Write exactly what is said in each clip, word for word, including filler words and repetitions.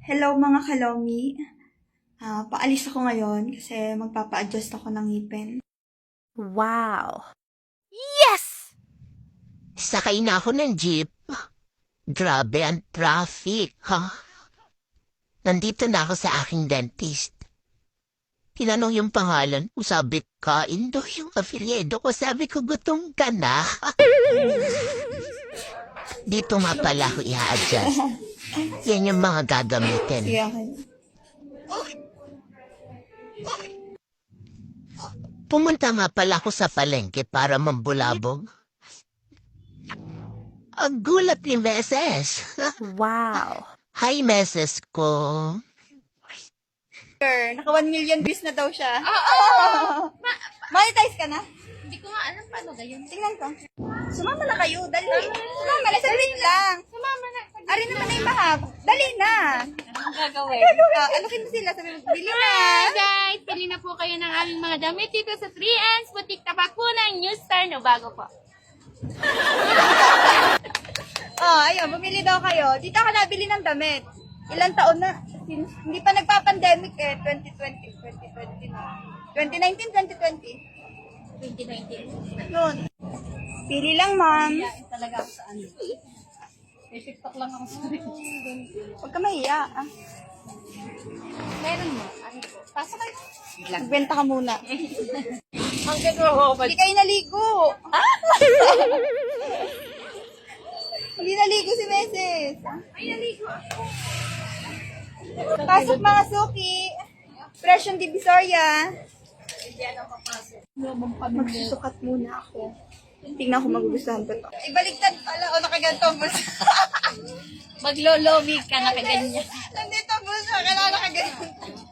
Hello mga kalomi. Ah, paalis ako ngayon kasi magpapa-adjust ako ng ngipin. Wow! Yes! Sakay na ako ng jeep. Grabe ang traffic, ha? Nandito na ako sa aking dentist. Tinanong yung pangalan ko, sabi, kain daw yung afiliedo ko. Sabi ko, gutom ka na. Dito nga pala ako i-adjust. Yan yung mga gagamitin. Sige, okay. Pumunta nga pala ako sa palengke para mambulabog. Ang gulat ni Meses. Wow! Hi, Meses ko. Naka one million views na daw siya. Oo! Monetize ka na? Hindi ko nga alam paano gayon. Tingnan ko. Sumama na kayo, dali. Sumama na, saglit lang. Sumama na. Ari naman na yung mahab. Dali na. Anong gagawin? Uh, alukin mo sila, sabi mo, bili na. Hi guys! Pili na po kayo ng aming mga damit dito sa three N's Boutique Tapak po ng New Star no bago po. Oh, ayun, bumili daw kayo. Dito ako nabili ng damit. Ilang taon na? Since, hindi pa nagpa-pandemic eh. twenty twenty, twenty twenty na. twenty nineteen, twenty twenty. twenty nineteen. Yun. Pili lang, ma'am. Talaga ako sa ano. May TikTok lang ako sa Huwag ka mahiya. Ah. Meron mo. Ano po? Pasok kayo. Magbenta ka muna. Ang gagawa ko. Hindi kayo naligo. Hindi naligo si Meses. Ay, naligo ako. Pasok mga suki. Fresh yung Divisoria. Hindi ano papasok. Magsusukat muna ako. Tingnan ko magugustuhan ko to. Ibaligtad pala. O, nakaganto ang bulsa. Maglolomi ka na kaganyan. Nandito ang bulsa. Kailangan nakaganto.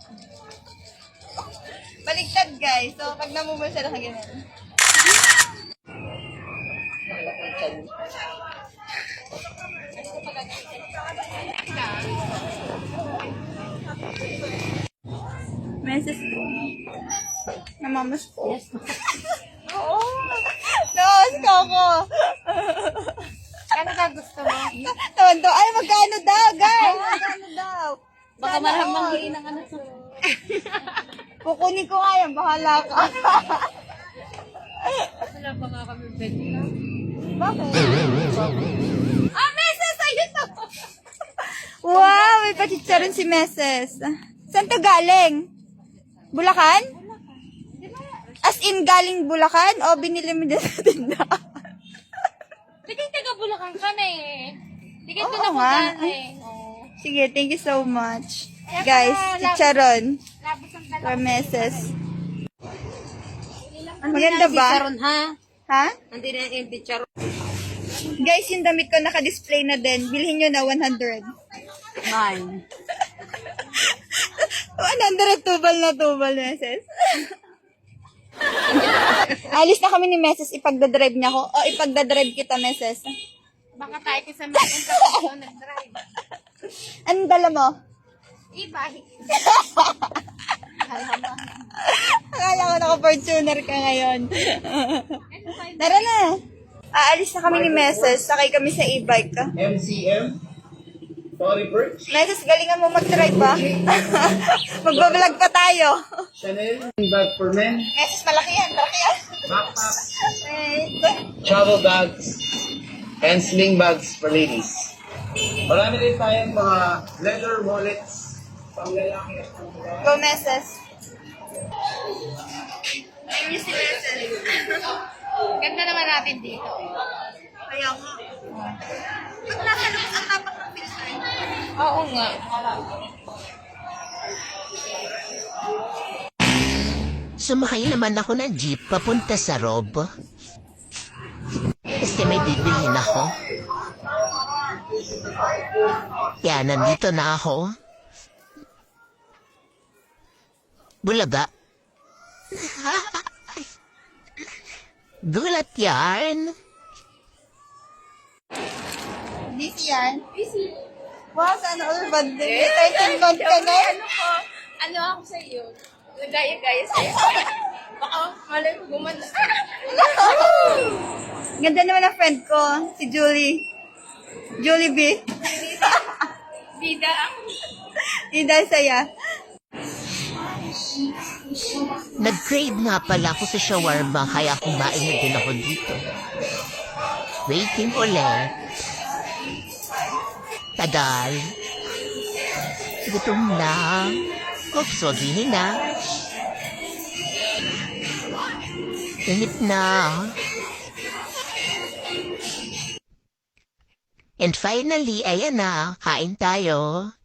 Baligtad, guys. So, pag namumulsa, nakaganyan. Meses ko. Namamas ko. Oo. Namamas ko ako. Ano ka gusto mo? Tawan to. Ay, magkano daw, guys? Magkano daw? Baka Sana maramang all. ng ano sa... Kukunin ko nga yan. Bahala ka. Wala pa nga kami pwede. Bakit? Ah, Meses! Ayun to! Wow, may pachicharon si Meses. Saan to galing? Bulacan? As in, galing Bulacan? O binili mo dyan sa tindahan? Di kayo taga Bulacan ka na eh. Di kayo Oo na nga. eh. Oo. Sige, thank you so much. Kaya Guys, pala, chicharon. Labos ang dalawa. For Meses. Maganda ba? ha? Ha? Hindi na yung picture. Guys, yung damit ko naka-display na din. Bilhin nyo na one hundred. Mine. one hundred tubal na tubal, Meses. Alis na kami ni Meses. Ipagdadrive niya ako. O, ipagdadrive kita, Meses. Baka tayo kasi meron ka nag-drive. Anong dala mo? Iba. Akala ko naka-Fortuner ka ngayon. Tara na. Aalis na kami ni Meses. Sakay kami sa e-bike. M C M, Tory Burch, Meses, galingan mo mag-drive ba? Magbablog pa tayo. Chanel, bag for men, Meses, malaki yan. Malaki yan. backpack, Eh, travel bags, and sling bags for ladies. Marami rin tayong mga leather wallets, pang lalaki at pang babae. Go, Meses. Thank you si Meses. Ganda naman natin dito. Kaya nga. Ba't nasa ang tapak ng filter? Oo nga. Sumakay naman ako ng jeep papunta sa Rob. Kasi may bibilihin ako. Kaya nandito na ako. Bulaga. Gulat yan. Busy yan? Busy. Wow, sana all band din. May thirteen month ka na. Ano ko? Ano ako sa iyo? Nagaya-gaya sa iyo. Baka malay ko gumanda. Ganda naman ang friend ko, si Julie. Julie B. Bida. Hindi dahil saya. Nag-crave nga pala ako sa shawarma kaya kumain na din ako dito. Waiting ulit. Tagal. Gutom na. Oops, waginin na. Init na. And finally, ayan na, kain tayo.